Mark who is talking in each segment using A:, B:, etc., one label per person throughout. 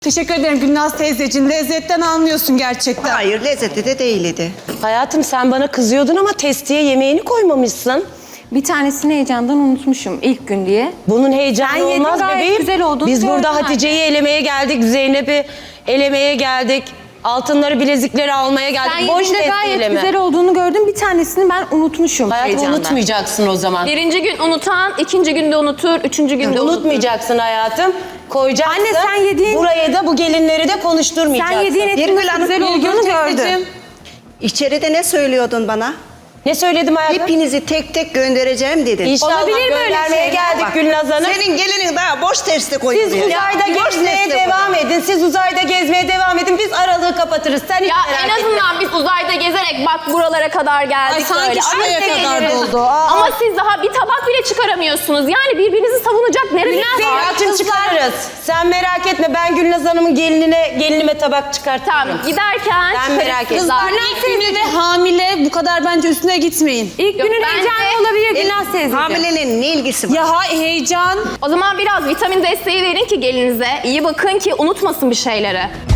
A: Teşekkür ederim Gülnaz teyzeciğim. Lezzetten anlıyorsun gerçekten.
B: Hayır, lezzetli de değildi.
C: Hayatım sen bana kızıyordun ama testiye yemeğini koymamışsın.
D: Bir tanesini heyecandan unutmuşum ilk gün diye.
C: Bunun heyecanı
D: Ben yedim,
C: olmaz
D: gayet
C: bebeğim.
D: güzel olduğunu
C: Biz burada
D: gördüm
C: Hatice'yi elemeye geldik, Zeynep'i elemeye geldik. Altınları, bilezikleri almaya geldik.
D: Ben
C: Boş
D: yediğimde gayet
C: testiyle mi?
D: güzel olduğunu gördüm. Bir tanesini ben unutmuşum
C: Hayatım
D: heyecandan.
C: unutmayacaksın o zaman.
E: Birinci gün unutan, ikinci günde unutur, üçüncü günde unutur.
C: Unutmayacaksın hayatım. Koyacaksın.
D: Anne, sen yediğin-
C: Buraya da bu gelinleri de konuşturmayacaksın.
D: Sen yediğin etin
B: Birgül
D: nasıl
B: Hanım,
D: güzel
A: Birgül
D: olduğunu gördüm.
A: teyzeciğim.
B: İçeride ne söylüyordun bana?
C: Ne söyledim hayatım?
B: Hepinizi tek tek göndereceğim dedin.
C: İnşallah
D: Olabilir mi öyle
C: göndermeye
D: şey?
C: geldik
B: Bak,
C: Gülnaz Hanım.
B: Senin gelinin daha boş testi koyuyor.
C: Siz uzayda
B: Boş
C: gezmeye
B: testi
C: devam
B: koyuyor.
C: edin. Siz uzayda gezmeye devam edin. Biz aralığı kapatırız. Sen hiç
E: Ya
C: merak
E: en
C: etme.
E: azından biz uzayda gezerek bak buralara kadar geldik
A: Ay sanki
E: böyle.
A: şuraya
E: Ay,
A: kadar
E: geliriz.
A: doldu.
E: Ama siz daha bir tabak bile çıkaramıyorsunuz. Yani birbirinizi savunacak nereniz var?
C: Hayatım çıkarırız. Sen merak etme. Ben Gülnaz Hanım'ın gelinime tabak çıkartırım.
E: Tamam giderken
C: Ben merak ettim.
A: Kızlar ilk günü ve hamile bu kadar bence üstüne gitmeyin.
D: İlk
E: Yok,
D: günün
E: bence-
D: heyecanı olabilir Gülnaz teyzeciğim.
B: Hamilenin ne ilgisi var?
A: Ya heyecan.
E: O zaman biraz vitamin desteği verin ki gelinize. İyi bakın ki unutmasın bir şeyleri.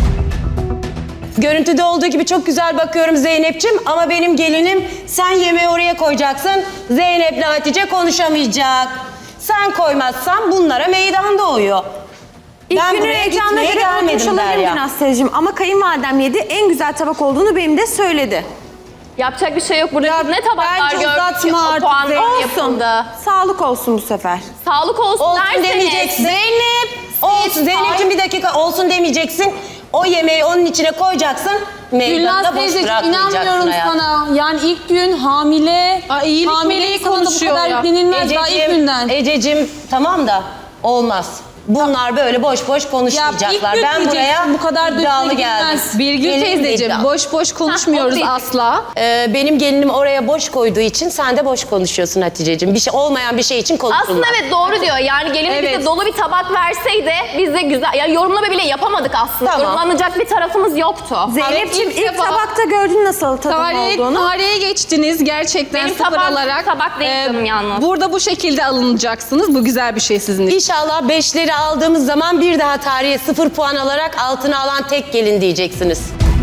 C: Görüntüde olduğu gibi çok güzel bakıyorum Zeynep'ciğim ama benim gelinim sen yemeği oraya koyacaksın. Zeynep'le Hatice konuşamayacak. Sen koymazsan bunlara meydan doğuyor.
D: İlk
C: Ben
D: günün
C: buraya
D: heyecanına
C: gitmeye
D: göre unutmuş
C: gelmedim
D: olabilirim
C: Derya.
D: Gülnaz teyzeciğim. Ama kayınvalidem yedi en güzel tabak olduğunu benim de söyledi.
E: Yapacak bir şey yok. Burada
A: Ya
E: ne tabaklar
A: bence
E: gördük ki
A: uzatma
E: o
A: artık
E: puan
A: Zeynep.
D: Olsun.
E: yapıldı.
D: Sağlık olsun bu sefer.
E: Sağlık olsun,
C: Olsun
E: derseniz.
C: demeyeceksin. Zeynep! Olsun.
E: Siz-
C: Zeynep'ciğim bir dakika olsun demeyeceksin. O yemeği onun içine koyacaksın. Meydanı
A: Gülnaz
C: da boş
A: teyzeciğim
C: bırakmayacaksın
A: inanmıyorum
C: hayatım.
A: sana. Yani ilk gün hamile. Hamileyi konuşuyor bu kadar yüklenilmez daha ilk günden.
C: Ececiğim tamam da olmaz. Bunlar böyle boş boş konuşmayacaklar.
A: Ya ilk
C: Ben
A: gün
C: buraya
A: diyeceksin, bu kadar da
C: iddialı
A: üstüne
C: geldim.
A: gitmez.
F: Birgül
C: Gelinim
F: teyzeciğim
C: iddialı.
F: boş boş konuşmuyoruz
E: o
F: asla.
C: Benim gelinim oraya boş koyduğu için sen de boş konuşuyorsun Hatice'ciğim. Bir şey olmayan bir şey için konuşulmaz.
E: Aslında evet doğru diyor. Yani gelin bize dolu bir tabak verseydi biz de güzel, yani yorumlama bile yapamadık aslında.
C: Tamam.
E: Yorumlanacak bir tarafımız yoktu.
D: Zeynep'ciğim
F: ilk
D: ilk
F: defa-
D: tabakta gördün nasıl tadım olduğunu.
F: Tarihe geçtiniz gerçekten
E: Benim
F: sıfır
E: tabak-
F: alarak.
E: tabak değil canım yalnız.
F: Burada bu şekilde alınacaksınız. Bu güzel bir şey sizin için.
C: İnşallah 5'leri aldığımız zaman bir daha tarihe 0 puan alarak altına alan tek gelin diyeceksiniz.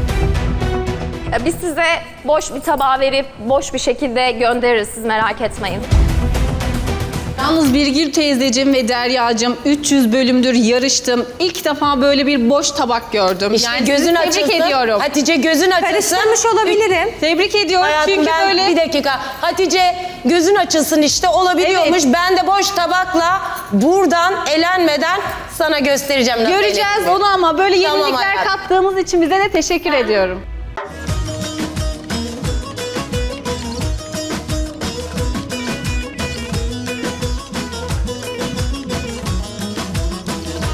E: Biz size boş bir tabağı verip boş bir şekilde göndeririz, siz merak etmeyin.
F: Yalnız Birgül teyzeciğim ve Deryacığım 300 bölümdür yarıştım. İlk defa böyle bir boş tabak gördüm.
C: İşte
F: yani
C: gözün
F: sizi
C: açılsın.
F: tebrik ediyorum.
C: Hatice gözün açılsın.
D: Karıştırmış olabilirim.
F: Tebrik ediyorum
C: Hayatım
F: çünkü
C: ben
F: böyle...
C: bir dakika. Hatice gözün açılsın işte olabiliyormuş. Ben de boş tabakla buradan elenmeden sana göstereceğim. nasıl
F: Göreceğiz
C: eleneceğini.
F: onu ama böyle
C: Tamam
F: yenilikler
C: hayatım.
F: kattığımız için bize de teşekkür ediyorum.